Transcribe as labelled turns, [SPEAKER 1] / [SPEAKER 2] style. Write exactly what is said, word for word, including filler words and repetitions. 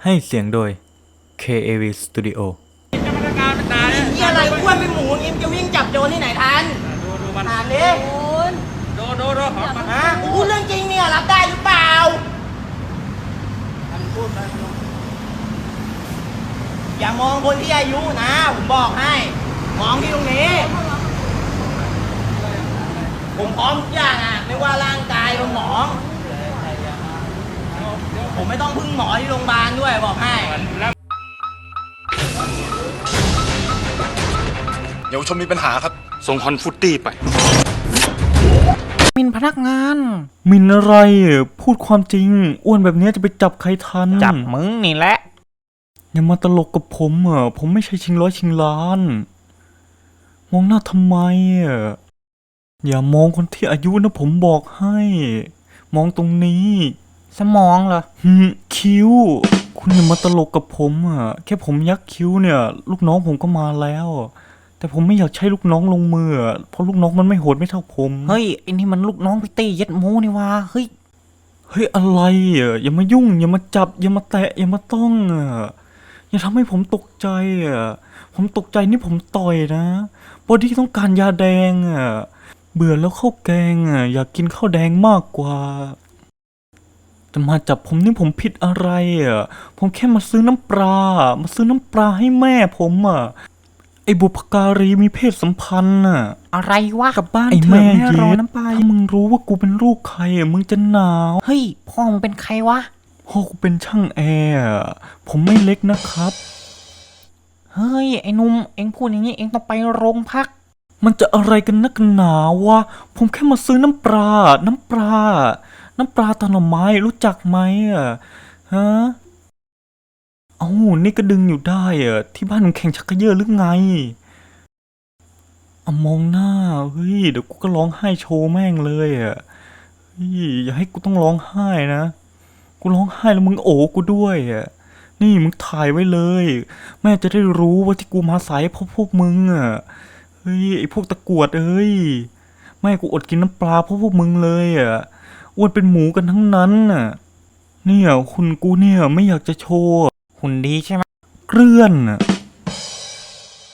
[SPEAKER 1] ให้เสียงโดย เค เอ วี Studio
[SPEAKER 2] จะมาตรการเป็นตาเนี่ย
[SPEAKER 3] นี่อะไรอ้วนเป็นหมูงี้จะวิ่งจับโจรที่ไหนทัน
[SPEAKER 2] ดูดูมัน
[SPEAKER 3] อ่านดิ
[SPEAKER 2] ดูดูดูขอมา
[SPEAKER 3] ฮะกูพูดเรื่องจริงเนี่ยรับได้หรือเปล่าอย่ามองคนที่อายุนะผมบอกให้ มองที่ตรงนี้ ผมพร้อมทุกอย่างอ่ะไม่ว่าร่างกายสมอง ผมไม่ต้องพึ่งหมอที่โรงพยาบาลด้วยบอกให้
[SPEAKER 4] เยาวชนมีปัญหาครับ
[SPEAKER 2] ส่งฮอนฟุตตี้ไป
[SPEAKER 5] มินพนักงาน
[SPEAKER 1] มินอะไรพูดความจริงอ้วนแบบนี้จะไปจับใครทัน
[SPEAKER 5] จับมึงนี่แหละ
[SPEAKER 1] อย่ามาตลกกับผมอ่ะผมไม่ใช่ชิงร้อยชิงล้าน มองหน้าทำไมอ่ะอย่ามองคนที่อายุนะผมบอกให้ มองตรงนี้
[SPEAKER 5] สมองเหรอ
[SPEAKER 1] หืมคิ้ว คุณอย่ามาตลกกับผมอ่ะแค่ผมยักคิ้วเนี่ย ลูกน้องผมก็มาแล้ว แต่ผมไม่อยากใช้ลูกน้องลงมืออะเพราะลูกน้องมันไม่โหดไม่เท่าผม
[SPEAKER 5] เฮ้ยไอ้นี่มันลูกน้องพี่ตี้ยัดโมนี่วะเฮ้ย
[SPEAKER 1] เฮ้ยอะไรอ่ะอย่ามายุ่งอย่ามาจับอย่ามาแตะอย่ามาต้องอ่ะอย่าทำให้ผมตกใจอ่ะผมตกใจนี่ผมต่อยนะบอดี้ต้องการยาแดงอ่ะเบื่อแล้วข้าวแกงอ่ะอยากกินข้าวแดงมากกว่าแต่มาจับผมนี่ผมผิดอะไรอ่ะผมแค่มาซื้อน้ำปลามาซื้อน้ำปลาให้แม่ผมอ่ะไอ้บุพการีมีเพศสัมพันธ์อ่ะ
[SPEAKER 5] อะไรวะ
[SPEAKER 1] กลับบ้าน
[SPEAKER 5] ไอ้
[SPEAKER 1] เถ
[SPEAKER 5] แม่
[SPEAKER 1] อะ
[SPEAKER 5] เย็
[SPEAKER 1] เย็
[SPEAKER 5] ด
[SPEAKER 1] ด
[SPEAKER 5] น้ำปลา
[SPEAKER 1] ถ้ามึงรู้ว่ากูเป็นลูกใครอ่ะมึงจะหนาว
[SPEAKER 5] เฮ้ยพ่อมึงเป็นใครวะ
[SPEAKER 1] พ่อกูเป็นช่างแอร์อะผมไม่เล็กนะครับ
[SPEAKER 5] เฮ้ยไอ้หนุ่มเอ็งพูดอย่างนี้เอ็งต้องไปโรงพัก
[SPEAKER 1] มันจะอะไรกันนักหนาวะผมแค่มาซื้อน้ำปลา น้ำปลา น้ำปลาตาหน่อไม้รู้จักไหมอ่ะฮะเอ้านี่ก็ดึงอยู่ได้อ่ะที่บ้านมึงแข่งชักกระเยอะหรือไงเอามองหน้าเฮ้ยเดี๋ยวกูก็ร้องไห้โชว์แม่งเลยอ่ะเฮ้ยอย่าให้กูต้องร้องไห้นะกูร้องไห้แล้วมึงโอบกูด้วยอ่ะนี่มึงถ่ายไว้เลย แม่จะได้รู้ว่าที่กูมาสายเพราะพวกมึงอ่ะเฮ้ยไอพวกตะกรวดเอ้ยแม่กูอดกินน้ำปลาเพราะพวกมึงเลยอ่ะอ้วนเป็นหมูกันทั้งนั้นน่ะเนี่ยคุณกูเนี่ยไม่อยากจะโชว์
[SPEAKER 5] หุ่นดีใช่ไหม
[SPEAKER 1] เกลื่อนน่ะ